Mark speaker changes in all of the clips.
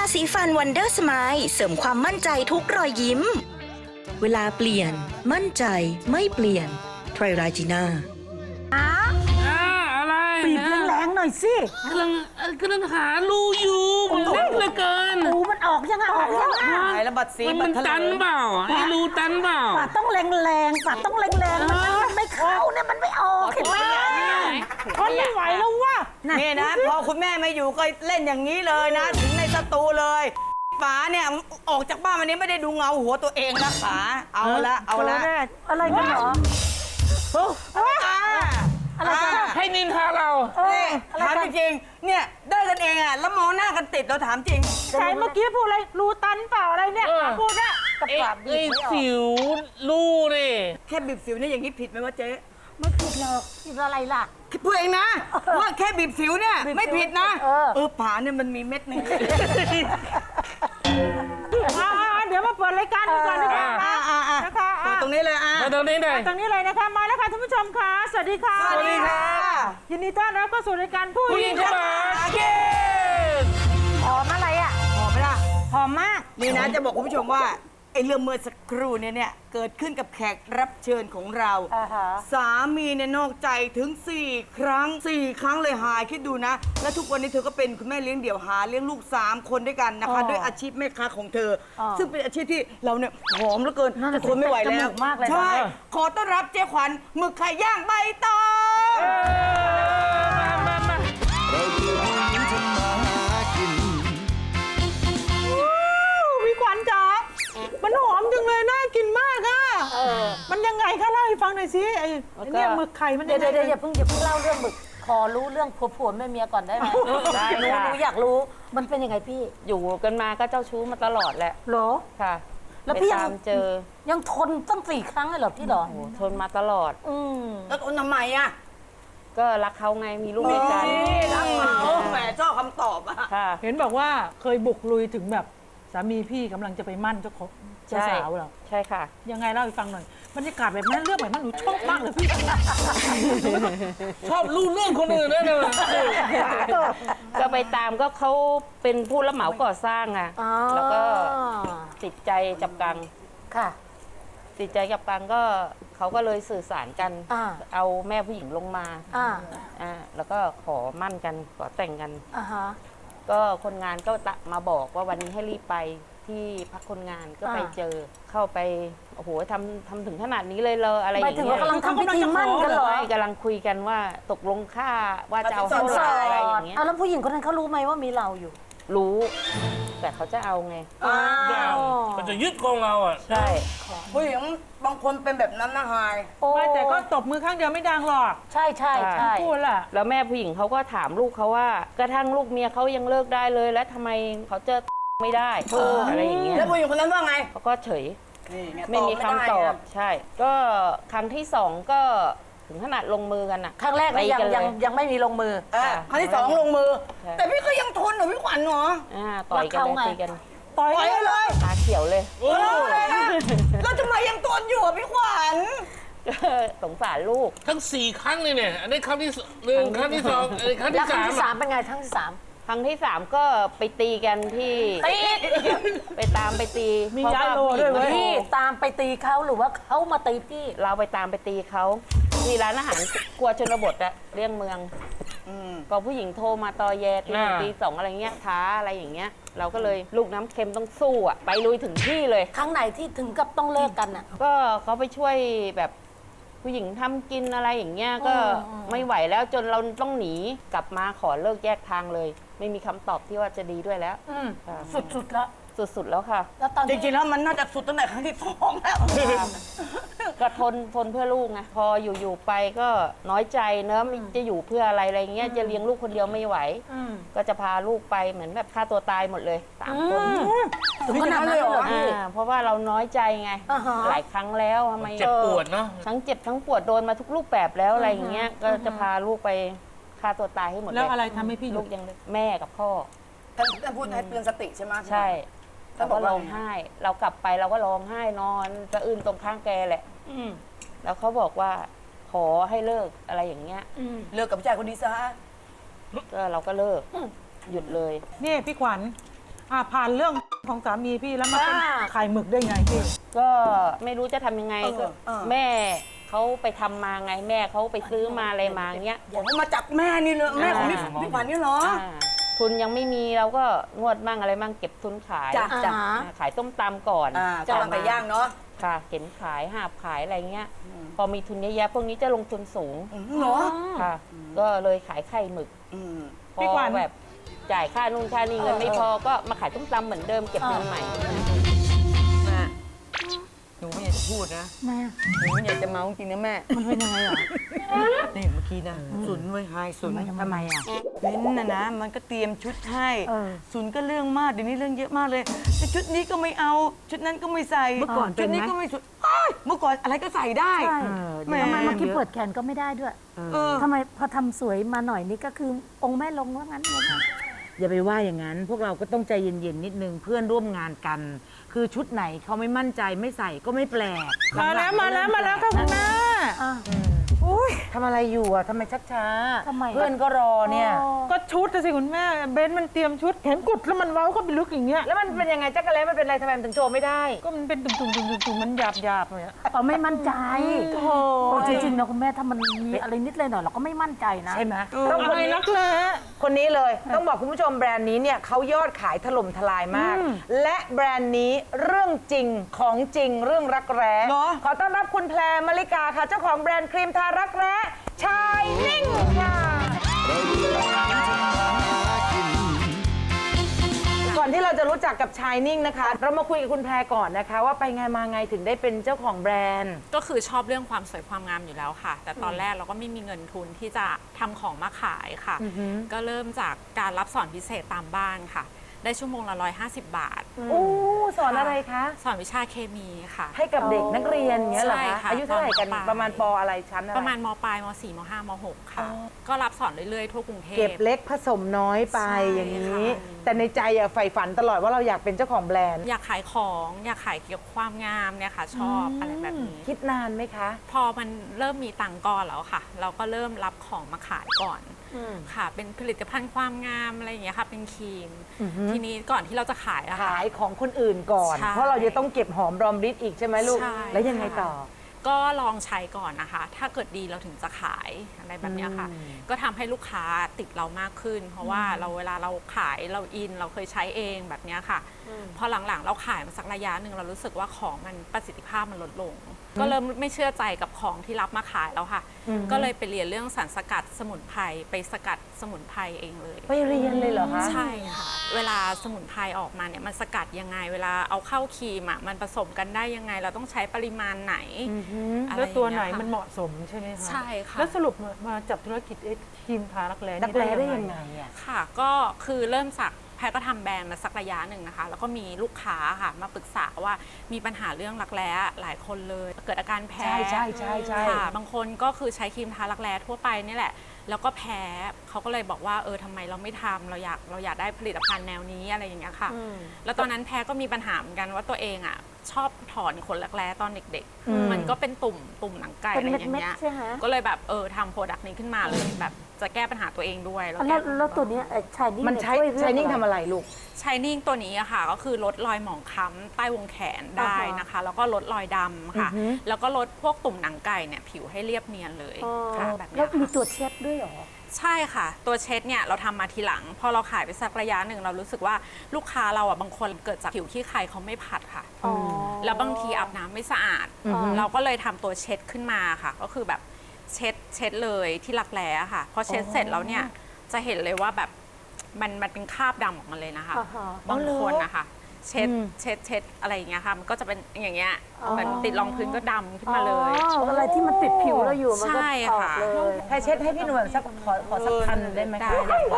Speaker 1: สีฟันวันเดอร์สไมล์เสริมความมั่นใจทุกรอยยิ้ม เวลาเปลี่ยนมั่นใจไม่เปลี่ยนไทรราจีน่า
Speaker 2: อะไร
Speaker 3: บีบแรงๆหน่อยสิ
Speaker 2: กำลังหารูอยู่มันเล็กเหลือเกิน
Speaker 3: หูมันออกยังไงออกยังไง
Speaker 4: หายแล้วบัดสี
Speaker 2: มัน
Speaker 4: บัดทะ
Speaker 2: ตัน
Speaker 4: เล
Speaker 2: เปล่าไอ้รูตันเปล่า
Speaker 3: ปากต้องแรงๆปากต้องแรงๆมันไม่เข้าเนี่ยมันไม่ออกเห็นไหมทนไม่ไหวแล้วว่ะ
Speaker 4: นี่นะพอคุณแม่ไม่อยู่ก็เล่นอย่างนี้เลยนะ ถึงในสตูเลยป๋าเนี่ยออกจากบ้านวันนี้ไม่ได้ดูเงาหัวตัวเองนะป๋าเอาละเอาละ
Speaker 3: อะไรกันเหรอ อะไรกันอะ
Speaker 2: ให้นินทาเรา
Speaker 4: นี่ถามจริงๆเนี่ยได้กันเองอ่ะแล้วมองหน้ากันติดเราถามจริง
Speaker 3: ใช่เมื่อกี้พูดอะไรรูตันเปล่าอะไรเนี่ยพูดอะกับ
Speaker 2: ไอ้
Speaker 3: ปากบีบ
Speaker 2: ไอ้
Speaker 3: ไม่ออก
Speaker 2: สิวรูนี่
Speaker 4: แค่บีบสิวเนี่ยอย่างนี้ผิดไหมวะเจ๊
Speaker 3: ไม่ผิดหรอกผิดอะไรล่ะ
Speaker 4: คิดพูดเองนะว่าแค่บีบสิวเนี่ยไม่ผิดนะ ป๋าเนี่ยมันมีเม็ดหนึง
Speaker 3: เดี๋ยวมาเปิดรายการกันก่อนดีกว่านะคะ
Speaker 4: เปิดตรงนี้เลยอ่ะ
Speaker 2: มาตรงนี้หน่อย
Speaker 3: ตรงนี้เลยนะคะมาแล้วค่ะท่านผู้ชมค่ะสวัสดีค่ะ
Speaker 4: สวัสดีค่ะ
Speaker 3: ยินดีต้อนรับเข้าสู่รายการผู้
Speaker 2: ผู้หญิงเข้ามาเกณฑ์
Speaker 3: หอมอะไรอ่ะ
Speaker 4: หอมไหมล่ะ
Speaker 3: หอมมาก
Speaker 4: นี่นะจะบอกคุณผู้ชมว่าไอ้เรื่องเมื่อสักครู่เนี่ยเกิดขึ้นกับแขกรับเชิญของเรา สามีเนี่ยนอกใจถึง 4 ครั้ง 4 ครั้งเลยหายคิดดูนะ และทุกวันนี้เธอก็เป็นคุณแม่เลี้ยงเดี่ยวหาเลี้ยงลูก 3 คนด้วยกันนะคะด้วยอาชีพแม่ค้าของเธอ ซึ่งเป็นอาชีพที่เราเนี่ยหอมเหลือเกินจะทนไม่ไหวแล้วใช่ขอต้อนรับเจ๊ขวัญหมึกไข่ย่างใบตอง
Speaker 5: เราคือผู้หญิงทำมาหากิน
Speaker 3: พี่ขวัญจ๋ามันหอมจังเลยน่ากินมากอ่ะมันยังไงคะเล่าให้ฟังหน่อยสิไอ้เนี่ยหมึกไข่มัน
Speaker 6: เดี๋ยวอย่าเพิ่งเล่าเรื่องหมึกขอรู้เรื่องผัวแม่เมียก่อนได้ไหมได้หนูอยากรู้มันเป็นยังไงพี่
Speaker 7: อยู่กันมาก็เจ้าชู้มาตลอดแหละ
Speaker 3: เหรอ
Speaker 7: ค่ะ
Speaker 6: แล้วพี่
Speaker 7: ไปตามเจอ
Speaker 6: ยังทนตั้ง4 ครั้งเลยเหรอพี่เหรอ
Speaker 7: โอ้โหทนมาตลอด
Speaker 4: แล้วทำไมอ่ะ
Speaker 7: ก็รักเขาไงมีลูกด้วยกัน
Speaker 4: รักเขาแหมชอบคำตอบอ่ะ
Speaker 7: ค่ะ
Speaker 3: เห็นบอกว่าเคยบุกลุยถึงแบบสามีพี่กำลังจะไปมั่นเจ้าสาวเหรอ
Speaker 7: ใช่ค่ะ
Speaker 3: ยังไงเล่าให้ฟังหน่อยบรรยากาศแบบนั้นเรื่องแบบนั้นหนูชอบมากเลยพี่
Speaker 2: ชอบรู้เรื่องคนอื่นนะเนี่ย
Speaker 7: ก็ไปตามก็เขาเป็นผู้รับเหมาก่อสร้างอะแล้วก็ติดใจจับกัง
Speaker 6: ค่ะ
Speaker 7: ติดใจจับกังก็เขาก็เลยสื่อสารกัน
Speaker 6: อ่า
Speaker 7: เอาแม่ผู้หญิงลงมา แล้วก็ขอมั่นกันขอแต่งกัน
Speaker 6: อ่าฮะ
Speaker 7: ก็คนงานก็มาบอกว่าวันนี้ให้รีบไปที่พักคนงานก็ไปเจอเข้าไปโอ้โหทำถึงขนาดนี้เลยอะไรอ
Speaker 6: หมาย
Speaker 7: ย่าง
Speaker 6: ถึง
Speaker 7: เงี้
Speaker 6: ว่าย กำลังทำพิธีมั่นกันเหรอ
Speaker 7: ใช่กำลังคุยกันว่าตกลงค่าว่าจะเอาเท่าไหร่อะไรอย่างเงี้ย
Speaker 6: เอาแล้วผู้หญิงคนนั้นเขารู้ไหมว่ามีเราอยู่
Speaker 7: รู้ แต่เขาจะเอาไง
Speaker 2: มันจะยึดของเราอ่ะ
Speaker 7: ใช่
Speaker 4: ผู้หญิงบางคนเป็นแบบนั้นนะฮาย
Speaker 3: ไม่แต่ก็ตบมือข้างเดียวไม่ดังหรอก
Speaker 6: ใช่ใช่ใช่
Speaker 3: พูดล่ะ
Speaker 7: แล้วแม่ผู้หญิงเขาก็ถามลูกเขาว่ากระทั่งลูกเมียเขายังเลิกได้เลย แล้วทำไมเขาเจอไม่ได้อะไรอย่างเงี้ย
Speaker 4: แล้วผู้หญิงคนนั้นว่าไง
Speaker 7: เขาก็เฉย
Speaker 4: นี่ไง
Speaker 7: ไม่มีคำตอบ
Speaker 4: ไได้ะ
Speaker 7: ใช่ ก็ครั้งที่สองก็ถึงขนาดลงมือกันอะ
Speaker 6: ครั้งแรกเนี่ย
Speaker 7: ตีกันเลย
Speaker 6: ยังไม่มีลงมือ
Speaker 4: ครั้งที่ 2 ลงมือ
Speaker 7: ใช่
Speaker 4: แต่พี่ก็ยังทนเหรอพี่ขวัญเหรอ
Speaker 7: ต่อยกัน
Speaker 6: รักเขาไง
Speaker 7: เลยตีกัน
Speaker 3: ต่อย
Speaker 4: ปล่อยเลย
Speaker 7: ตาเขียวเลย
Speaker 4: แล้วทำไมยังทนอยู่อ่ะพี่ขวัญ
Speaker 7: สงสารลูก
Speaker 2: ทั้ง 4 ครั้งเลยเนี่ย อันนี้ครั้งที่หนึ่งครั้งที่ 2อันนี้ครั้ง
Speaker 6: แล้ว
Speaker 2: ที่
Speaker 6: ครั้ง
Speaker 2: 3
Speaker 6: ที่สามเป็นไงครั้งที่สาม
Speaker 7: ครั้งที่สามก็ไปตีกันที่
Speaker 6: ตี
Speaker 7: ไปตามไปตี
Speaker 3: มีย้ายโลด้วยเว้ย
Speaker 6: พี่ตามไปตีเขาหรือว่าเขามาตีพี่
Speaker 7: เราไปตามไปตีเขาที่ร้านอาหารครัวชนบทอะเลี่ยงเมืองก็ผู้หญิงโทรมาตอแยตี ตีสองอะไรเงี้ยท้าอะไรอย่างเงี้ย เราก็เลยลูกน้ำเค็มต้องสู้อะไปลุยถึงที่เลย
Speaker 6: ครั้งไหนที่ถึงกับต้องเลิกกันอ่ะ
Speaker 7: ก็เขาไปช่วยแบบผู้หญิงทำกินอะไรอย่างเงี้ยก็ไม่ไหวแล้วจนเราต้องหนีกลับมาขอเลิกแยกทางเลย ไม่มีคำตอบที่ว่าจะดีด้วยแล้วค่ะ
Speaker 6: สุดๆแล้ว
Speaker 7: สุดๆแล้วค่ะ
Speaker 6: แล้วตอน
Speaker 4: จริงๆแล้วมันน่าจะสุดตั้งแต่ครั้งที่ 2 แล้ว
Speaker 7: ก็ทนเพื่อลูกไงพออยู่ๆไปก็น้อยใจเนอะมันจะอยู่เพื่ออะไรเงี้ยจะเลี้ยงลูกคนเดียวไม่ไหว ก็จะพาลูกไปเหมือนแบบฆ่าตัวตายหมดเลย3 คน
Speaker 6: ถึงขนาดนั้นเลยเหรอพี่
Speaker 7: เพราะว่าเราน้อยใจไง
Speaker 6: อ่าฮะ
Speaker 7: หลายครั้งแล้วทำไม
Speaker 2: เจ็บปวดเนาะ
Speaker 7: ทั้งเจ็บทั้งปวดโดนมาทุกรูปแบบแล้วอะไรอย่างเงี้ยก็จะพาลูกไปฆ่าตัวตายให้หมดเลย
Speaker 3: แล้วอะไรทำให้พี่หยุ
Speaker 7: ลู
Speaker 3: ด
Speaker 7: กยังเล็กแม่กับพ่อ
Speaker 4: ท่านพูดให้เตือนสติใช่ไหม
Speaker 7: ใช่
Speaker 4: ท่า
Speaker 7: เรา
Speaker 4: นบ
Speaker 7: ก็
Speaker 4: อกว่า
Speaker 7: ร้องไห้ เรากลับไปเราก็ร้องไห้นอนสะอื้นตรงข้างแกแหละแล้วเขาบอกว่าขอให้เลิกอะไรอย่างเงี้ย
Speaker 4: เลิกกับผู้ชายคนนี้ซะ
Speaker 7: ก็เราก็เลิกหยุดเลย
Speaker 3: นี่พี่ขวัญผ่านเรื่องของสามีพี่แล้วมาเป็นขายหมึกได้ไงพี่
Speaker 7: ก็ไม่รู้จะทำยังไงก็แม่เขาไปทำมาไงแม่เขาไปซื้อมาอะไรมาเงี้ย
Speaker 4: บอกว่ามาจากแม่นี่เลยแม่ของพี่ขวัญนี่เหรอ
Speaker 7: ทุนยังไม่มีเราก็งวดมั่งอะไรมั่งเก็บทุนขาย
Speaker 4: จ้ะจ้ะ
Speaker 7: ขายต้มตำก่อน
Speaker 4: จะทำไก่ย่างเนาะ
Speaker 7: ค่ะเข็นขายหาบขายอะไรเงี้ย พอมีทุนเยอะๆพวกนี้จะลงทุนสูง
Speaker 4: เหรอ
Speaker 7: ค่ะ ก็เลยขายไข่หมึก พ
Speaker 3: พี่
Speaker 7: อ
Speaker 3: ขวัญ
Speaker 7: แบบจ่ายค่านู่นค่านี่เงินไม่พอก็มาขายต้มตำเหมือนเดิมเก็บเงินใหม่
Speaker 4: แม่หนูไม่อยากจะพูดนะ
Speaker 6: แม่
Speaker 4: หนูไม่อยากจะเมาจริงนะแม่
Speaker 6: มันเป็นยังไงอ่ะ
Speaker 4: นี่เมื่อกี้นะสุนไว้ยไฮสุน
Speaker 6: ทำไมอ่ะ
Speaker 4: เบ้นนะมันก็เตรียมชุดให้
Speaker 6: เออ
Speaker 4: สุนก็เรื่องมากเดี๋ยวนี้เรื่องเยอะมากเลยแต่ชุดนี้ก็ไม่เอาชุดนั้นก็ไม่ใส่
Speaker 6: เมื่อก่อนเป็นไหม
Speaker 4: ชุดนี้ก็ไม่สุดอ้ายเมื่อก่อนอะไรก็ใส่ได้
Speaker 6: ใช่
Speaker 4: แหม
Speaker 6: ทำไมเมื่อกี้เปิดแขนก็ไม่ได้ด้วย
Speaker 4: เออ
Speaker 6: ทำไมพอทำสวยมาหน่อยนี่ก็คือองค์แม่ลงว่างั้นเลย
Speaker 8: อย่าไปว่าอย่างนั้น พวกเราก็ต้องใจเย็นๆนิดนึงเพื่อนร่วมงานกัน คือชุดไหนเขาไม่มั่นใจไม่ใส่ก็ไม่แปลก
Speaker 3: มาแล้วค่ะคุณแม่
Speaker 8: ทำอะไรอยู่อ่ะทำไมชักช้า
Speaker 6: ทำไม
Speaker 8: เพื่อนก็รอเนี่ย
Speaker 3: ก็ชุดน่ะสิคุณแม่เบนมันเตรียมชุดเห็นกุดแล้วมันเว้าเข้าไปลึกอย่างเงี้ย
Speaker 8: แล้วมันเป็นยังไงจักรเล่มันเป็นอะไรทำไมมันถึงโชว์ไม่ได้
Speaker 3: ก็มันเป็นตุ่มๆมันหยาบๆเลยอะ
Speaker 6: อ๋อไม่มั่นใจ
Speaker 3: โอ้โห
Speaker 6: โอ้จริงๆนะคุณแม่ถ้ามันมีอะไรนิดเลยหน่อยเราก็ไม่มั่นใจนะ
Speaker 8: ใช่ไหม
Speaker 3: ต้องอะไรนักแร้
Speaker 8: คนนี้เลย ต้องบอกคุณผู้ชมแบรนด์นี้เนี่ยเขายอดขายถล่มทลายมาก และแบรนด์นี้เรื่องจริงของจริงเรื่องรักแร้
Speaker 4: เหรอ
Speaker 8: ขอต้อนรับคุณแพรมลิกาค่ะ เจ้าของแบรนด์ครีมทารักแร้ชายนิ่งค่ะ ก่อนที่เราจะรู้จักกับชายนิ่งนะคะ เรามาคุยกับคุณแพรก่อนนะคะ ว่าไปไงมาไงถึงได้เป็นเจ้าของแบรนด์
Speaker 9: ก็คือชอบเรื่องความสวยความงามอยู่แล้วค่ะ แต่ตอนแรกเราก็ไม่มีเงินทุนที่จะทำของมาขายค่ะ ก็เริ่มจากการรับสอนพิเศษตามบ้านค่ะ ได้ชั่วโมงละ150 บาท
Speaker 8: โอ้สอนอะไรคะ
Speaker 9: สอนวิชาเคมีค่ะ
Speaker 8: ให้กับเด็กนักเรียนอย่างเงี้ยเหรอ
Speaker 9: ใช่
Speaker 8: คะ
Speaker 9: ค่ะ
Speaker 8: อายุเท่าไหร่กัน
Speaker 9: ตอนม.ปลาย
Speaker 8: ประมาณปอะไรชั้นอะไร
Speaker 9: ประมาณมปลายม4ม5ม6ค่ะ ก็รับสอนเรื่อยๆทั่วกรุงเทพ
Speaker 8: เก็บเล็กผสมน้อยไป
Speaker 9: ใช่
Speaker 8: อย่างนี้
Speaker 9: ค่ะ
Speaker 8: แต่ในใจอะใฝ่ฝันตลอดว่าเราอยากเป็นเจ้าของแบรนด์
Speaker 9: อยากขายของอยากขายเกี่ยวกับความงามเนี่ยค่ะ ชอบอะไรแบบนี้
Speaker 8: คิดนานไหมคะ
Speaker 9: พอมันเริ่มมีตังค์ก้อนแล้วค่ะ เราก็เริ่มรับของมาขายก่อนค่ะ เป็นผลิตภัณฑ์ความงามอะไรอย่างเงี้ยค่ะ เป็นครีม ทีนี้ก่อนที่เราจะขายอะค่ะ
Speaker 8: ขายของคนอื่นก่อน
Speaker 9: ใช่
Speaker 8: เพราะเราจะต้องเก็บหอมรอมริบอีกใช่ไหมลูก
Speaker 9: ใช่
Speaker 8: แล้วยังไงต่อ
Speaker 9: ก็ลองใช้ก่อนนะคะ ถ้าเกิดดีเราถึงจะขายอะไรแบบเนี้ยค่ะ ก็ทำให้ลูกค้าติดเรามากขึ้น เพราะว่าเราเวลาเราขายเราอินเราเคยใช้เองแบบเนี้ยค่ะ พอหลังๆเราขายมาสักระยะหนึ่งเรารู้สึกว่าของมันประสิทธิภาพมันลดลง ก็เริ่มไม่เชื่อใจกับของที่รับมาขายแล้วค่ะ ก็เลยไปเรียนเรื่องสารสกัดสมุนไพรไปสกัดสมุนไพรเองเลย
Speaker 8: ไปเรียนเลยเหรอคะ
Speaker 9: ใช่ค่ะ เวลาสมุนไพรออกมาเนี่ยมันสกัดยังไง เวลาเอาเข้าครีมอ่ะมันผสมกันได้ยังไง เราต้องใช้ปริมาณไหนอะไร
Speaker 3: แล้วตัวไหน
Speaker 9: อย่างเงี้ยค่ะ
Speaker 3: มันเหมาะสมใช่ไหมคะ
Speaker 9: ใช่ค่ะ
Speaker 3: แล้วสรุปมาจับธุรกิจครีมทารักแร้
Speaker 8: นัก
Speaker 3: นี่
Speaker 8: แร้ได้ยังไงอะ
Speaker 9: ค่ะก็คือเริ่มจากแพรก็ทำแบรนด์มาสักระยะหนึ่งนะคะ แล้วก็มีลูกค้าค่ะมาปรึกษาว่ามีปัญหาเรื่องรักแร้หลายคนเลย เกิดอาการแพ้
Speaker 8: ใช่
Speaker 9: ค่ะบางคนก็คือใช้ครีมทารักแร้ทั่วไปนี่แหละ แล้วก็แพ้เขาก็เลยบอกว่าทำไมเราไม่ทำเราอยากได้ผลิตภัณฑ์แนวนี้อะไรอย่างเงี้ยค่ะ แล้วตอนนั้นแพรก็มีปัญหาเหมือนกันว่าตัวเองอ่ะชอบถอนขนรักแร้ตอนเด็กๆ มันก็เป็นตุ่มหนังไก่
Speaker 6: เป็น
Speaker 9: อะไรอย่าง
Speaker 6: เม็ด
Speaker 9: เงี้ย
Speaker 6: ๆใช่ไหม
Speaker 9: ก็เลยแบบทำโปรดักต์นี้ขึ้นมาเลยแบบจะแก้ปัญหาตัวเองด้วย
Speaker 6: แล้วตัวเนี้ยชายนิ่ง
Speaker 8: มันใช้ชายนิ่งทำอะไรลูก
Speaker 9: ชายนิ่งตัวนี้อะค่ะก็คือลดรอยหมองคล้ำใต้วงแขนได้นะคะ แล้วก็ลดรอยดำค่ะ แล้วก็ลดพวกตุ่มหนังไก่เนี่ยผิวให้เรียบเนียนเลยค่ะแบบ
Speaker 6: แล้
Speaker 9: เนี้
Speaker 6: วย มี
Speaker 9: ค่ะ
Speaker 6: ตัวเช็ดด้วยเหรอ
Speaker 9: ใช่ค่ะ ตัวเช็ดเนี่ยเราทำมาทีหลัง พอเราขายไปสักระยะหนึ่งเรารู้สึกว่าลูกค้าเราอ่ะบางคนเกิดจากผิวขี้ใครเขาไม่ผัดค่ะ แล้วบางทีอาบน้ำไม่สะอาด เราก็เลยทำตัวเช็ดขึ้นมาค่ะ ก็คือแบบเช็ดเลยที่รักแร้ค่ะพอเช็ดเสร็จแล้วเนี่ยจะเห็นเลยว่าแบบมันเป็นคราบดำออกมาเลยนะคะ บางคนนะคะเช็ดอะไรอย่างเงี้ยค่ะมันก็จะเป็นอย่างเงี้ยเหมือนติดรองพื้นก็ดำขึ้นมาเลย
Speaker 6: อะไรที่มันติดผิวเราอยู่มันก็
Speaker 9: ใช่
Speaker 6: ออก
Speaker 9: ค่ะ
Speaker 6: เลย
Speaker 8: ใครเช็ดให้พี่หนวลสักขอสักพันได้ไหม
Speaker 9: ได้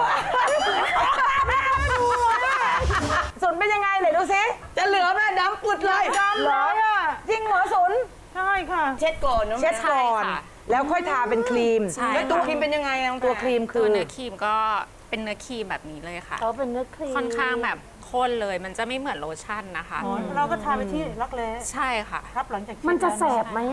Speaker 8: สุนเป็นยังไงไหนดูซิ
Speaker 4: จะเหลือแม่ดำปุดเลย
Speaker 8: เหรอจริงเหรอสุน
Speaker 3: ใช่ค่ะ
Speaker 4: เช็ดก่อนนะ
Speaker 8: เช็ดก่อน
Speaker 9: ใช่ค่ะ
Speaker 8: แล้วค่อยทาเป็นครีม
Speaker 9: ใช่
Speaker 4: แล้วตัวครีมเป็นยังไงน้อง
Speaker 8: ตัวครีมคื
Speaker 9: ตัว
Speaker 8: อ
Speaker 9: เนื้อครีมก็เป็นเนื้อครีมแบบนี้เลยค่ะ
Speaker 6: เขาเป็นเนื้อครีม
Speaker 9: ค่อนข้างแบบข้นเลยมันจะไม่เหมือนโลชั่นนะคะ
Speaker 3: เราก็ทาไปที่รักแร้
Speaker 9: ใช่ค่ะ
Speaker 3: ครับหลังจาก
Speaker 6: มันจะแสบไหมอ่ะ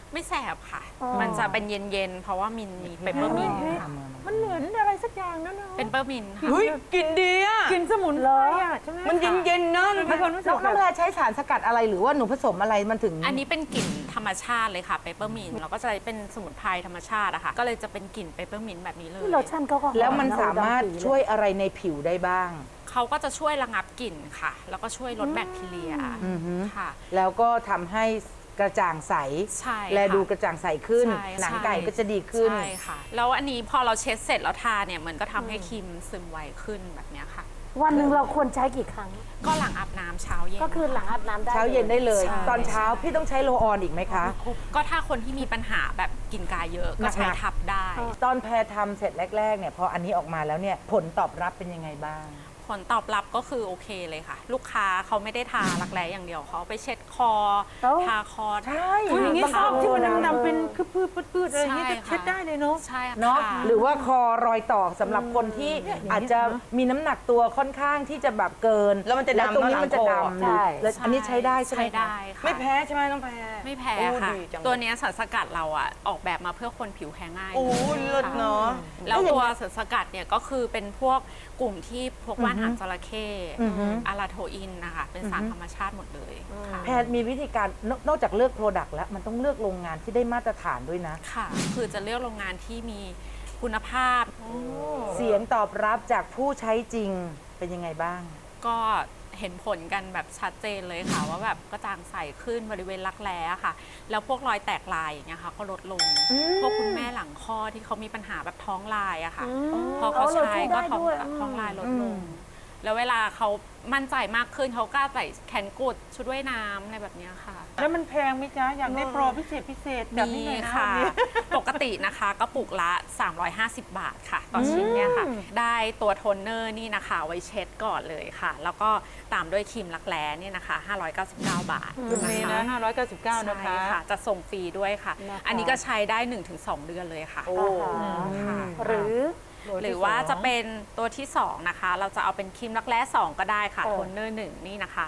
Speaker 9: ไม่แสบค่ะ มันจะเป็นเย็นๆ เพราะว่ามีเปปเปอร์มินต์ค่ะ
Speaker 3: มันเหมือนอะไรสักอย่างนั่นเนาะ
Speaker 9: เป็นเปปเปอร์มินต์ค่ะ
Speaker 4: เฮ้ยกลิ่นดีอ่ะ
Speaker 3: กินสมุนไพรอ่ะใช่ไหม
Speaker 4: มันเย็นๆเนอะ
Speaker 3: มีความรู้สึ
Speaker 8: น้
Speaker 3: ก
Speaker 8: องแพรใช้สารสกัดอะไรหรือว่าหนูผสมอะไรมันถึง
Speaker 9: อันนี้เป็นกลิ่นธรรมชาติเลยค่ะเปปเปอร์มินต์เราก็จะเป็นสมุนไพรธรรมชาติอะค่ะ ก็เลยจะเป็นกลิ่นเปปเปอร์มินต์แบบนี้เลย
Speaker 6: โลชั่นเขาก็หอ
Speaker 8: แล้วมันสามารถช่วยอะไรในผิวได้บ้าง
Speaker 9: เขาก็จะช่วยระงับกลิ่นค่ะ แล้วก็ช่วยลดแบคทีเรียค่ะ
Speaker 8: แล้วก็ทำให้กระจ่างใส
Speaker 9: ใช่ค่ะ
Speaker 8: และดูกระจ่างใสขึ้น
Speaker 9: ใช่
Speaker 8: หนังไก่ก็จะดีขึ้น
Speaker 9: ใช่ค่ะ แล้วอันนี้พอเราเช็ดเสร็จแล้วทาเนี่ยมันก็ทำให้ครีมซึมไวขึ้นแบบเนี้ยค่ะ
Speaker 6: วันหนึ่งเราควรใช้กี่ครั้ง
Speaker 9: ก็หลังอาบน้ำเช้าเย็น
Speaker 6: ก็คือหลังอาบน้ำได้
Speaker 8: เช้าเย็นได้เลย
Speaker 9: ใช่
Speaker 8: ตอนเช้าพี่ต้องใช้โรลออนอีกไหมคะ
Speaker 9: ก็ถ้าคนที่มีปัญหาแบบกลิ่นกายเยอะก็ใช้
Speaker 8: หนักๆ
Speaker 9: ทับได้
Speaker 8: ตอนแพรทำเสร็จแรกๆเนี่ยพออันนี้ออกมาแล้วเนี่ยผลตอบรับเป็นยังไงบ้าง
Speaker 9: ผลตอบรับก็คือโอเคเลยค่ะ ลูกค้าเขาไม่ได้ทารักแร้อย่างเดียวเขาไปเช็ดคอ ทาคอ
Speaker 8: ใช่
Speaker 3: อุ๊ยอย่างนี้
Speaker 9: ท
Speaker 3: ชอบที่มันดำๆเป็นคือพืดๆอะไรอย่างนี้
Speaker 9: ใช่
Speaker 3: จะ
Speaker 9: ค่ะ
Speaker 3: เช็ดได้เลยเนาะ
Speaker 9: ใช่ค่ะ
Speaker 8: เนาะหรือว่าคอรอยต่อสำหรับคนที่อาจจะมีน้ำหนักตัวค่อนข้างที่จะแบบเกิน
Speaker 4: แล้วมันจะดำ
Speaker 8: ตรงนี้มันจะ
Speaker 4: หลังคอ
Speaker 8: ดำแล้วอันนี้ใช้ได้ใช่ไหม
Speaker 9: ใช้
Speaker 8: คะ
Speaker 9: ได้ค่ะ
Speaker 4: ไม่แพ้ใช่ไหมน้องแพร
Speaker 9: ไม่แพ้
Speaker 4: โอ้
Speaker 9: ค่ะ
Speaker 4: ดีจัง
Speaker 9: ตัวเนี้ยสารสกัดเราอ่ะออกแบบมาเพื่อคนผิวแพ้ง่าย
Speaker 4: โอ้ยเลิศเนาะ
Speaker 9: แล้วตัวสารสกัดเนี่ยก็คือเป็นพวกกลุ่มที่พวกว่านหางจระเข้อาราโทอินนะคะเป็นสารธรรมชาติหมดเลยค่ะ
Speaker 8: แพทย์มีวิธีการนอกจากเลือกโปรดักต์แล้วมันต้องเลือกโรงงานที่ได้มาตรฐานด้วยนะ
Speaker 9: ค่ะ คือจะเลือกโรงงานที่มีคุณภาพ
Speaker 8: เสียงตอบรับจากผู้ใช้จริงเป็นยังไงบ้าง
Speaker 9: ก็เห็นผลกันแบบชัดเจนเลยค่ะ ว่าแบบกระจ่างใสขึ้นบริเวณรักแร้ค่ะ แล้วพวกรอยแตกลายอย่างเงี้ยค่ะก็ลดลง พวกคุณแม่หลังคลอดที่เขามีปัญหาแบบท้องลายอะค่ะ พอเขาใช้ก็ท้องลายลดลง แล้วเวลาเขามั่นใจมากขึ้นเขากล้าใส่แขนกุดชุดว่ายน้ำอะไรแบบเนี้ยค่ะ
Speaker 3: แล้วมันแพงไหมจ๊ะ อยากได้โปรพิเศษแบบ
Speaker 9: มี
Speaker 3: นี้หน่อยนะ
Speaker 9: ค่ะ
Speaker 3: วันนี้
Speaker 9: ปกตินะคะกระปุกละ 350 บาทค่ะ ต่อชิ้นเนี่ยค่ะ ได้ตัวโทนเนอร์นี่นะคะ ไว้เช็ดก่อนเลยค่ะ แล้วก็ตามด้วยครีมรักแร้เนี่ยนะคะ 599 บาท
Speaker 3: ตรงนี้นะ599 นะคะ
Speaker 9: ใช่ค่ะ จะส่งฟรีด้วยค่ะ อันนี้ก็ใช้ได้ 1-2 เดือนเลยค่ะค่ะ หรือว่าจะเป็นตัวที่ 2 นะคะ เราจะเอาเป็นครีมรักแร้ 2 ก็ได้ค่ะ โทนเนอร์ 1 นี่นะคะ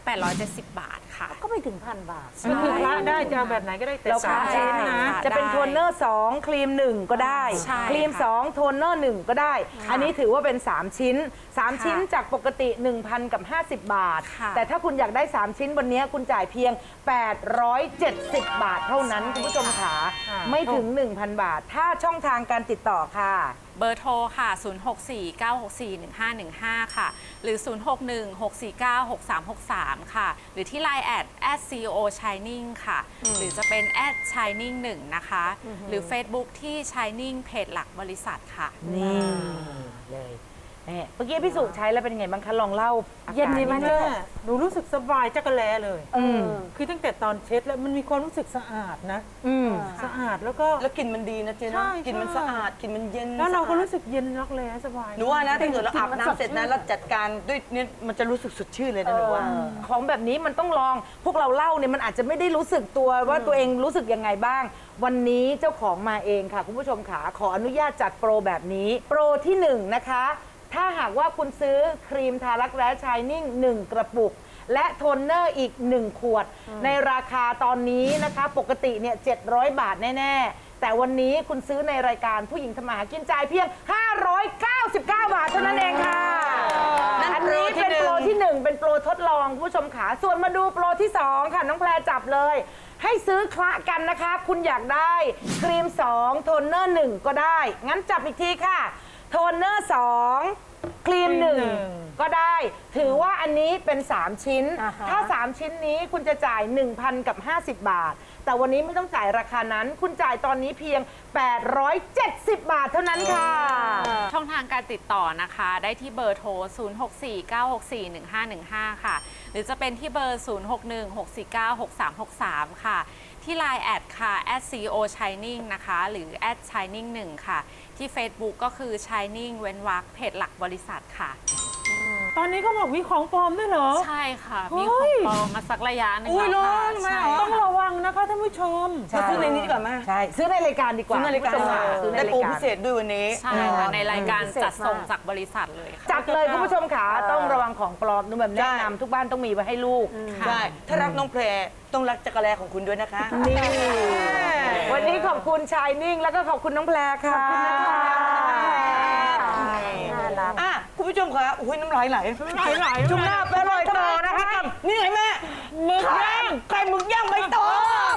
Speaker 9: 870 บาทค่ะ
Speaker 6: ก็ไม่ถึง1,000 บาท
Speaker 3: ก็คือพระได้จะเอาแบบไหนก็ได้แต่
Speaker 8: เรา
Speaker 3: สามชิ้นนะ
Speaker 8: จะเป็นโทนเนอร์ 2 ครีม 1 ก็ได้
Speaker 9: ใช่
Speaker 8: ครีม
Speaker 9: ค่ะ
Speaker 8: 2 โทนเนอร์ 1 ก็ได้ อันนี้ถือว่าเป็น 3 ชิ้น 3 ชิ้นจากปกติ 1,000 กับ 50 บาท
Speaker 9: ค่ะ
Speaker 8: แต่ถ้าคุณอยากได้ 3 ชิ้นวันนี้คุณจ่ายเพียง 870 บาทเท่านั้นคุณผู้ชมขาไม่ถึง 1,000 บาท ถ้าช่องทางการติดต่อค่ะ
Speaker 9: เบอร์โทรค่ะ 064-964-1515 ค่ะ หรือ 061-649-6363 ค่ะ หรือที่ Line @CEO Shining ค่ะ หรือจะเป็น @Shining 1 นะคะ หรือ Facebook ที่ Shining เพจหลักบริษัทค่ะ
Speaker 8: นี่เลยนี่เมื่อกี้พี่สุใช้แล้วเป็นยังไงบ้างคะลองเล่าอาการ
Speaker 6: เย็นดีไหม
Speaker 8: ด
Speaker 3: แม่
Speaker 8: ง
Speaker 3: หนูรู้สึกสบายจักรแลเลย คือตั้งแต่ตอนเช็ดแล้วมันมีความรู้สึกสะอาดนะ สะอาดแล้วก็
Speaker 4: แล้วกลิ่นมันดีนะเจ๊
Speaker 3: ใช่
Speaker 4: เนาะกลิ่นมัน
Speaker 3: ใช่
Speaker 4: สะอาดกลิ่นมันเย็น
Speaker 3: แล้วเราก็
Speaker 4: สะอาด
Speaker 3: รู้สึกเย็นรักแร้สบาย
Speaker 4: หนูว่านะถ้าเกิดเราอาบน้ำเสร็จนะแล้วจัดการด้วยเนี่ยมันจะรู้สึกสดชื่นเลยนะหนูว่า
Speaker 8: ของแบบนี้มันต้องลอง พวกเราเล่าเนี่ยมันอาจจะไม่ได้รู้สึกตัวว่าตัวเองรู้สึกยังไงบ้าง วันนี้เจ้าของมาเองค่ะ คุณผู้ชมขาขออนุญาตจัดโปรแบบนี้ โปรที่ 1 นะคะ ถ้าหากว่าคุณซื้อครีมทารักแร้ชายนิ่ง 1 กระปุก และโทนเนอร์อีก 1 ขวด ในราคาตอนนี้นะคะ ปกติเนี่ย700 บาทแน่ ๆ แต่วันนี้คุณซื้อในรายการผู้หญิงทำมาหากินจ่ายเพียง 599 บาทเท่านั้นเองค่ะ อันนี้เป็นโปรที่ 1 เป็นโปรทดลองคุณผู้ชมขาส่วนมาดูโปรที่ 2 ค่ะ น้องแพรจับเลย ให้ซื้อคละกันนะคะ คุณอยากได้ครีม 2 โทนเนอร์ 1 ก็ได้ งั้นจับอีกทีค่ะ โทนเนอร์ 2 ครีม 1 ก็ได้ ถือว่าอันนี้เป็น 3 ชิ้น ถ้า 3 ชิ้นนี้คุณจะจ่าย 1,000 กับ 50 บาท แต่วันนี้ไม่ต้องจ่ายราคานั้น คุณจ่ายตอนนี้เพียง 870 บาทเท่านั้นค่ะ
Speaker 9: ช่องทางการติดต่อนะคะ ได้ที่เบอร์โทร 064-964-1515 ค่ะ หรือจะเป็นที่เบอร์ 061-649-6363 ค่ะ ที่ Line ค่ะ @CEO Shining นะคะ หรือ @Shining 1 ค่ะ ที่ Facebook ก็คือ Shining เว้นวรรคเพจหลักบริษัทค่ะ
Speaker 3: ตอนนี้เขาบอกมีของปลอมด้วยเหรอ
Speaker 9: ใช่ค่ะ
Speaker 3: เฮ้ย
Speaker 9: มีของปลอมมาสักระยะหนึง
Speaker 4: อุ้ย
Speaker 9: แล้วค่ะ
Speaker 4: ร้อนไหม
Speaker 9: ใช่
Speaker 4: เหรอ
Speaker 3: ต้องระวังนะคะท่านผู้ชม
Speaker 4: มาซื้อในนี้ดีกว่าไหม
Speaker 8: ใช่ ซื้อในรายการดีกว่า
Speaker 4: ซื้อในรายการ
Speaker 8: คุณผู้ชมค่ะซื้อใน
Speaker 4: ได้
Speaker 8: รา
Speaker 4: โปร
Speaker 8: ยการ
Speaker 4: พิเศษด้วยวันนี้
Speaker 9: ใช่ค่ะ ในรายการจัดส่งจากบริษัทเลยค่ะ
Speaker 8: จัดเลยคุณผู้ชมค่ะต้องระวังของปลอมนุ่มแบบแนะนำทุกบ้านต้องมีไว้ให้ลูก
Speaker 9: ค่ะ
Speaker 4: ได้ ถ้ารักน้องแพรต้องรักจักรแลของคุณด้วยนะคะ
Speaker 8: นี่วันนี้ขอบคุณชายนิ่งแล้วก็ขอบคุณน้องแพรค่ะ ขอบคุณนะคะ
Speaker 6: น่ารัก
Speaker 4: อ่ะคุณผู้ชมคะอุ้ยน้ำลายไหลช่วงหน้าไปอร่อยต่อนะคะกับนี่ไงแม่หมึกย่างไข่หมึกย่างใบตอง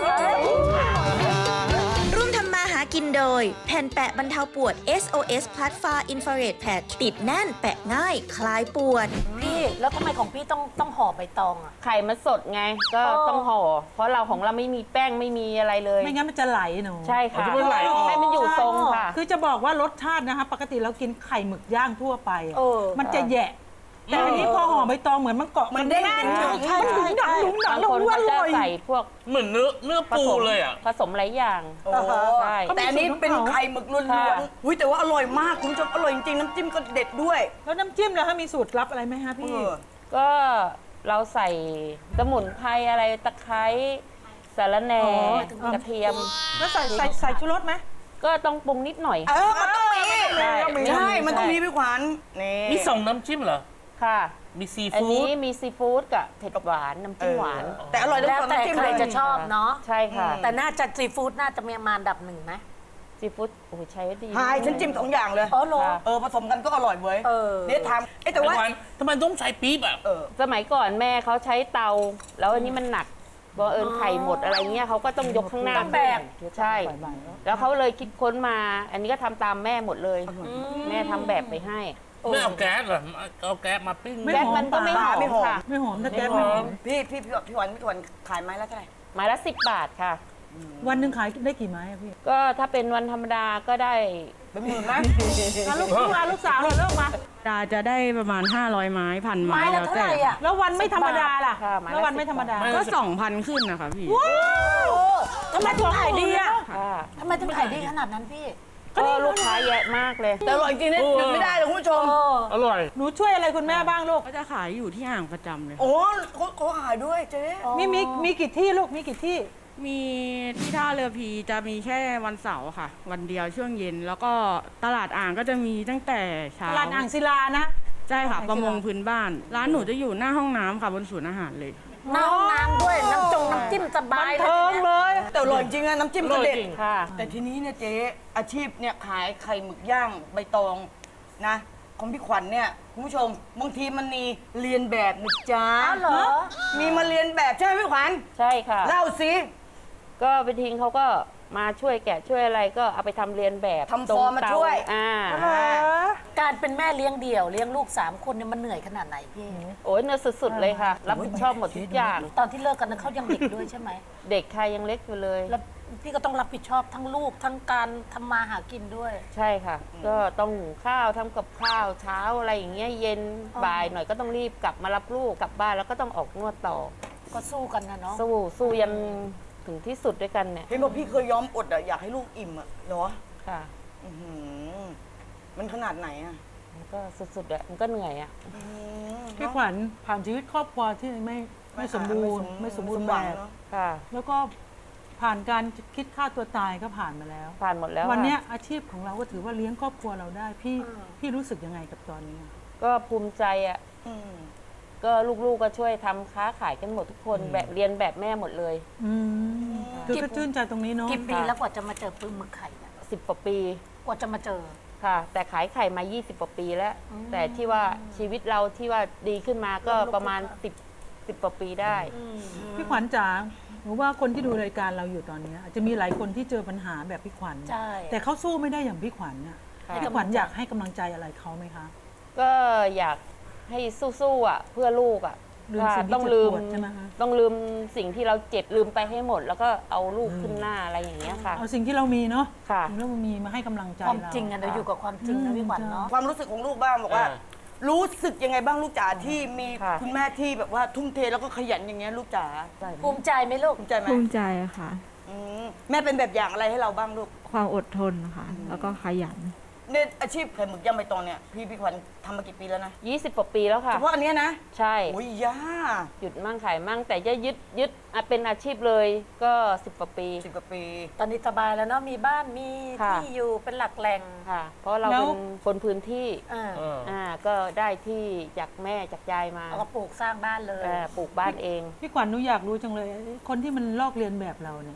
Speaker 1: ร่วมทำมาหากินโดย แผ่นแปะบรรเทาปวด SOS Plus Far Infrared Patch ติดแน่นแปะง่ายคลายปวด
Speaker 6: พี่แล้วทำไมของพี่ต้องห่อใบตองอ่ะ
Speaker 7: ไข่มันสดไงก็ต้องห่อ เพราะเราของเราไม่มีแป้งไม่มีอะไรเลย
Speaker 3: ไม่งั้นมันจะไหลหนู
Speaker 7: ใช่ค่ะ
Speaker 2: มันไหลออก
Speaker 7: ให้มันอยู่ทรงค่ะ
Speaker 3: คือจะบอกว่ารสชาตินะคะปกติเรากินไข่หมึกย่างทั่วไปอะ
Speaker 6: เออ
Speaker 3: มันจะแหยะ แต่อันนี้พอห่อใบตองเหมือนมันเกาะ
Speaker 4: มันเด้ง
Speaker 3: แน่น
Speaker 4: ดึง
Speaker 3: มันดึงดังดึงดัง
Speaker 7: บางคน
Speaker 3: อ
Speaker 7: เขาจะ
Speaker 3: ร่อย
Speaker 7: ใส่พวก
Speaker 2: เหมือนเนื้อ
Speaker 7: ผ
Speaker 2: ปู
Speaker 7: สม
Speaker 2: เลยอ่ะ
Speaker 7: ผสมหลายอย่าง
Speaker 4: โอ้โห
Speaker 7: ใช่
Speaker 4: แต่อันนี้เป็นไข่หมึกล้วน
Speaker 7: ค่ะ
Speaker 4: ๆอุ้ยแต่ว่าอร่อยมากคุณผู้ชมอร่อยจริงๆน้ำจิ้มก็เด็ดด้วย
Speaker 3: แล้วน้ำจิ้มล่ะคะมีสูตรลับอะไรไหมฮะพี่
Speaker 7: ก็เราใส่สมุนไพรอะไรตะไคร้สาระแหน่
Speaker 3: อ๋อ
Speaker 7: กระเทียม
Speaker 3: แล้วใส่ชูรสไหม
Speaker 7: ก็ต้องปรุงนิดหน่อย
Speaker 4: มันต้องมี
Speaker 7: ใช่
Speaker 4: ใช่ มันต้องมีพี่ขวัญนี่
Speaker 2: มี2น้ำจิ้มเหรอ
Speaker 7: ค่ะ
Speaker 2: มีซี
Speaker 7: อัน
Speaker 2: ฟู้
Speaker 7: นี้
Speaker 2: ด
Speaker 7: มีซีฟู้ดกับเผ็ดหวานน้ำจิ้มหวาน
Speaker 4: แต่อร่อยทั้ง
Speaker 6: แล้ว
Speaker 4: สอง
Speaker 6: แต่
Speaker 4: น้ำจิ้ม
Speaker 6: ใคร
Speaker 4: เลย
Speaker 6: จะชอบเนาะ
Speaker 7: ใช่ค่ะ
Speaker 6: แต่น่าจะซีฟู้ดน่าจะมีมาอันดับหนึ่งไหม
Speaker 7: ซีฟู้ดโอ้โหใช้ดี
Speaker 4: หายฉันจิ้มสองอย่างเลย
Speaker 6: อ๋อเหรอ
Speaker 4: ผสมกันก็อร่อยเว้ย
Speaker 6: เออ
Speaker 4: เดี๋ยวทำแต่ว่า
Speaker 2: ทำไมต้องใช้ปี๊บอ่ะ
Speaker 7: สมัยก่อนแม่เขาใช้เตา แล้วอันนี้มันหนักบังเอิญไข่หมดอะไรเงี้ยเขาก็ต้องยกข้างหน้า
Speaker 6: ต้องแบก
Speaker 7: ใช่ แล้วเขาเลยคิดค้นมา อันนี้ก็ทำตามแม่หมดเลย แม่ทำแบบไปให้
Speaker 2: ไม่เอาแก๊สเหรอเอาแก๊สมาปิ้ง
Speaker 3: ไม่
Speaker 7: แก๊ส
Speaker 3: หอม
Speaker 7: มันก็ไม่หอม
Speaker 4: ไม่หอม
Speaker 7: ค่ะ
Speaker 3: ไม่หอมแต่แก๊สไม่หอม
Speaker 4: พี่ขวัญขายไม้ละเท่าไหร่
Speaker 7: ไม้ละ10 บาทค่ะ
Speaker 3: วันหนึ่งขายได้กี่ไม้อะพี่
Speaker 7: ก็ถ้าเป็นวันธรรมดาก็ได้
Speaker 4: เป็นหมื่นไหม
Speaker 3: ลูกสาวเราเริ่มมา
Speaker 10: จะได้ประมาณ 500 ไม้พันไม้
Speaker 6: ไม้ละ
Speaker 10: แล้ว
Speaker 6: เท่า
Speaker 10: แต่
Speaker 6: ไหร่อ่ะ
Speaker 3: แล้ววันไม่ธรรมดาล่ะ
Speaker 7: ค่ะไม้ละ
Speaker 3: แล้ววันไม่ธรรมดา
Speaker 10: ก็ 2,000 ขึ้นนะคะพี่
Speaker 6: ทำไมถึงขายดีอ่ะ
Speaker 7: ค่ะ
Speaker 6: ทำไมถึงขายดีขนาดนั้นพี่
Speaker 7: ก็ลูกค้าเยอะมากเลย
Speaker 4: แต่อร่อยจริงๆนะหยุดไม่ได้เลยคุณผู้ชม
Speaker 2: อร่อย
Speaker 3: หนูช่วยอะไรคุณแม่บ้างลูก
Speaker 10: ก็จะขายอยู่ที่อ่างประจำเลย
Speaker 4: โอ้เขาขายด้วยเจ๊
Speaker 3: มีกี่ที่ลูกมีกี่ที่
Speaker 10: มีที่ท่าเรือพีจะมีแค่วันเสาร์ค่ะ วันเดียวช่วงเย็น แล้วก็ตลาดอ่างก็จะมีตั้งแต่เช้า
Speaker 3: ตลาดอ่างศิลานะ
Speaker 10: ใช่ค่ะ ประมงพื้นบ้าน ร้านหนูจะอยู่หน้าห้องน้ำค่ะบนศูนย์อาหารเลย
Speaker 6: หน้าห้องน้ำด้วย น้ำจิ้มสบายเลย
Speaker 3: เทิงเลย
Speaker 4: แต่อร่อยจริงอะน้ำจิ้มก็เด็ด
Speaker 7: ค่ะ
Speaker 4: แต่ทีนี้เนี่ยเจ๊อาชีพเนี่ยขายไข่หมึกย่างใบตองนะของพี่ขวัญเนี่ยคุณผู้ชมบางทีมันมีเรียนแบบนะจ๊ะ
Speaker 6: อ้าวเหรอ
Speaker 4: มีมาเรียนแบบใช่ไหมพี่ขวัญ
Speaker 7: ใช่ค่ะ
Speaker 4: เล่าสิ
Speaker 7: ก็ไปทิ้งเขาก็มาช่วยแกะช่วยอะไรก็เอาไปทำเรียนแบบ
Speaker 4: ทำฟอร์มมาช่วย
Speaker 6: การเป็นแม่เลี้ยงเดี่ยวเลี้ยงลูก3 คนเนี่ยมันเหนื่อยขนาดไหนพี่
Speaker 7: โอ้ยเนื้อสุดๆเลยค่ะ รับผิดชอบหมดทุกอย่าง
Speaker 6: ตอนที่เลิกกันนั้นเขายังเด็กด้วยใช่ไหม
Speaker 7: เด็กค่ะยังเล็กอยู่เลย
Speaker 6: แล้วพี่ก็ต้องรับผิดชอบทั้งลูกทั้งการทำมาหากินด้วย
Speaker 7: ใช่ค่ะ ก็ต้องหุงข้าวทำกับข้าวเช้าอะไรอย่างเงี้ยเย็นบ่ายหน่อยก็ต้องรีบกลับมารับลูกกลับบ้านแล้วก็ต้องออกนวดต่อ
Speaker 6: ก็สู้กันนะเนาะ
Speaker 7: สู้ยันถึงที่สุดด้วยกันเนี่ย
Speaker 4: เห็นบอกพี่เคยยอมอดอะอยากให้ลูกอิ่มอะเหรอ
Speaker 7: ค่ะ
Speaker 4: อื้อหือมันขนาดไหนอะ
Speaker 7: มันก็สุดๆอะมันก็เหนื่อยอะ
Speaker 3: พี่ขวัญผ่านชีวิตครอบครัวที่ไม่สมบูรณ์ไม่สมบูรณ์แบบ
Speaker 4: เนอะ
Speaker 7: ค่ะ
Speaker 3: แล้วก็ผ่านการคิดฆ่าตัวตายก็ผ่านมาแล้ว
Speaker 7: ผ่านหมดแล้ว
Speaker 3: วันเนี้ย
Speaker 7: ค่ะ
Speaker 3: อาชีพของเราก็ถือว่าเลี้ยงครอบครัวเราได้ พี่รู้สึกยังไงกับตอนนี้
Speaker 7: ก็ภูมิใจอะ
Speaker 4: อืม
Speaker 7: ก็ลูกๆก็ช่วยทำค้าขายกันหมดทุกคนแบบเรียนแบบแม่หมดเลย
Speaker 3: คือก็ชื่นใจตรงนี้เนาะ
Speaker 6: กี่ปีแล้วกว่าจะมาเจอปึ้งหมึกไข่เนี่ย
Speaker 7: 10 กว่าปี
Speaker 6: กว่าจะมาเจอ
Speaker 7: ค่ะ แต่ขายไข่มา 20 กว่าปีแล้ว แต่ที่ว่าชีวิตเราที่ว่าดีขึ้นมาก็ประมาณ 10 กว่าปีได้
Speaker 3: พี่ขวัญจ๋าหนูว่าคนที่ดูรายการเราอยู่ตอนเนี้ยอาจจะมีหลายคนที่เจอปัญหาแบบพี่ขวัญ
Speaker 6: ใช่
Speaker 3: แต่เขาสู้ไม่ได้อย่างพี่ขวัญน่ะ
Speaker 7: ค่ะ
Speaker 3: พี่ขวัญอยากให้กำลังใจอะไรเขาไหมคะ
Speaker 7: ก็อยากให้สู้ๆอ่ะเพื่อลูกอ่ะ
Speaker 3: ลืมสิ่งที่
Speaker 7: ต้องลืม
Speaker 3: เจ็บปวดใช่ไหมคะ
Speaker 7: ต้องลืมสิ่งที่เราเจ็บลืมไปให้หมด แล้วก็เอาลูกขึ้นหน้าอะไรอย่างเงี้ยค่ะ
Speaker 3: เอาสิ่งที่เรามีเนาะ
Speaker 7: ค่ะ
Speaker 3: สิ่งที่เรามีมาให้กำลังใจ
Speaker 6: ความ
Speaker 3: เรา
Speaker 6: จริงอะเราอยู่กับความจริงนะพี่ขวัญเนาะ
Speaker 4: ความรู้สึกของลูกบ้างบอกว่า รู้สึกยังไงบ้างลูกจ๋าที่มี
Speaker 7: ค่ะ
Speaker 4: คุณแม่ที่แบบว่าทุ่มเทแล้วก็ขยันอย่างเงี้ยลูกจ๋า
Speaker 6: ภูมิใจไหมลูก
Speaker 4: ภูมิใจไหม
Speaker 11: ภูมิใจค่ะ
Speaker 4: อืมแม่เป็นแบบอย่างอะไรให้เราบ้างลูก
Speaker 11: ความอดทนค่ะ แล้วก็ขยัน
Speaker 4: เนี่ยอาชีพไข่หมึกย่างใบตองเนี่ยพี่ขวัญทำมากี่ปีแล้วนะ
Speaker 7: 20 กว่าปีแล้วค่ะ
Speaker 4: เฉพาะอันเนี้ยนะ
Speaker 7: ใช่
Speaker 4: โอ้ยย่า
Speaker 7: หยุดมั่งขายมั่งแต่จะยึดเป็นอาชีพเลยก็ 10 กว่าปี
Speaker 4: 10 กว่าปี
Speaker 6: ตอนนี้สบายแล้วเนาะมีบ้านมี
Speaker 7: ค่ะ
Speaker 6: ที่อยู่เป็นหลักแหล่ง
Speaker 7: ค่ะ เพราะเราเป็นคนพื้นที่ ก็ได้ที่จากแม่จากยายมา
Speaker 6: เอาก็ปลูกสร้างบ้านเลย
Speaker 7: ปลูกบ้านเอง
Speaker 3: พี่ขวัญหนูอยากรู้จังเลย คนที่มันลอกเลียนแบบเราเนี่ย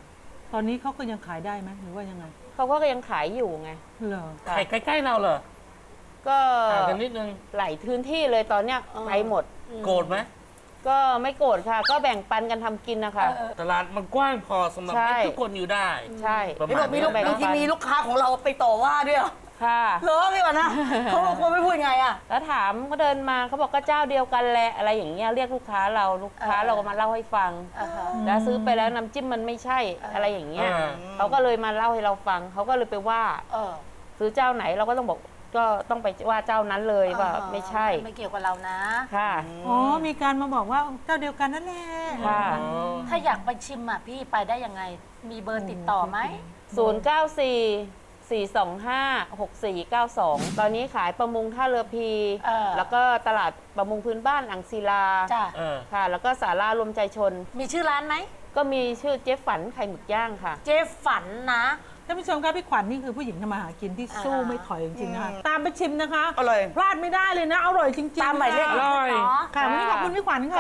Speaker 3: ตอนนี้เขาก็ยังขายได้ไหมหรือว่ายังไง
Speaker 7: เขาก็ยังขายอยู่ไง
Speaker 3: เหรอ
Speaker 2: ไข่ใกล้ๆเราเหรอ
Speaker 7: ก็
Speaker 2: ห่างกันนิดนึง
Speaker 7: หลายพื้นที่เลยตอนเนี้ยไปหมด
Speaker 2: โกรธไหม
Speaker 7: ก็ไม่โกรธค่ะ ก็แบ่งปันกันทำกินนะคะ
Speaker 2: ตลาดมันกว้างพอสำหรับ
Speaker 7: ใช่
Speaker 2: ให้ทุกคนอยู่ได้
Speaker 7: ใช่
Speaker 2: ประ
Speaker 4: เห็น
Speaker 2: มา
Speaker 4: บ
Speaker 2: ณ
Speaker 4: อกมี
Speaker 2: นี้
Speaker 4: ลูก
Speaker 7: แบ่งปัน
Speaker 4: บางทีมีลูกค้าของเราไปต่อว่าด้วยเหรอ
Speaker 7: ค่ะ
Speaker 4: เหรอพี่วะนะเขาไม่พูดไงอ่ะ
Speaker 7: แล้วถามก็เดินมาเขาบอกก็เจ้าเดียวกันแหละอะไรอย่างเงี้ยเรียกลูกค้าเราก็มาเล่าให้ฟัง แล้วซื้อไปแล้วน้ำจิ้มมันไม่ใช่อะไรอย่างเงี้ยเขาก็เลยมาเล่าให้เราฟังเขาก็เลยไปว่าซื้อเจ้าไหนเราก็ต้องบอกก็ต้องไปว่าเจ้านั้นเลยว่าไม่ใช่
Speaker 6: ไม่เกี่ยวกับเรานะ
Speaker 7: ค่ะ
Speaker 3: อ๋อมีการมาบอกว่าเจ้าเดียวกันนั่นแหละ
Speaker 7: ค่ะ
Speaker 6: ถ้าอยากไปชิมอ่ะพี่ไปได้ยังไง มีเบอร์ติดต่อไหม
Speaker 7: 094-425-6492 ตอนนี้ขายประมงท่าเรือพี แล้วก็ตลาดประมงพื้นบ้านอ่างศิลา
Speaker 6: จ้ะ
Speaker 7: ค่ะ แล้วก็ศาลารวมใจชน
Speaker 6: มีชื่อร้านไหม
Speaker 7: ก็มีชื่อเจ๊ฝันไข่หมึกย่างค่ะ
Speaker 6: เจ๊ฝันนะ
Speaker 3: ท่านผู้ชมครับพี่ขวัญนี่คือผู้หญิงทำมาหากินที่สู้ไม่ถอยจริงๆนะคะตามไปชิมนะคะ
Speaker 4: อร่อย
Speaker 3: พลาดไม่ได้เลยนะอร่อยจริงๆ
Speaker 6: ตามหมายเลข
Speaker 3: ค่ะ
Speaker 2: อร่อย
Speaker 3: ค่ะวันนี้ขอบคุณพี่ขวัญค่ะ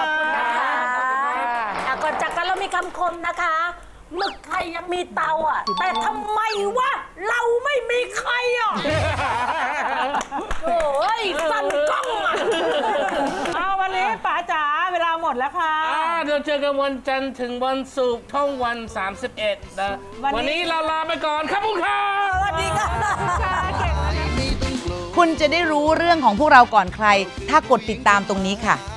Speaker 6: ก่อนจากกันเรามีคำคมนะคะหมึกไข่ยังมีเตาอ่ะ แต่ทำไมวะเราไม่มีไข่อ่ะโอ้ยสั่นกล้องอ่ะ
Speaker 3: เอาวันนี้ป๋าจ๋าเวลาหมดแล้วค่ะ
Speaker 2: เดี๋ยวเจอกันวันจันทร์ถึงวันศุกร์ช่องวัน 31 นะ วันนี้เราลาไปก่อนครับคุณค่ะ
Speaker 4: สวัสดีค่ะ
Speaker 8: คุณจะได้รู้เรื่องของพวกเราก่อนใคร ถ้ากดติดตามตรงนี้ค่ะ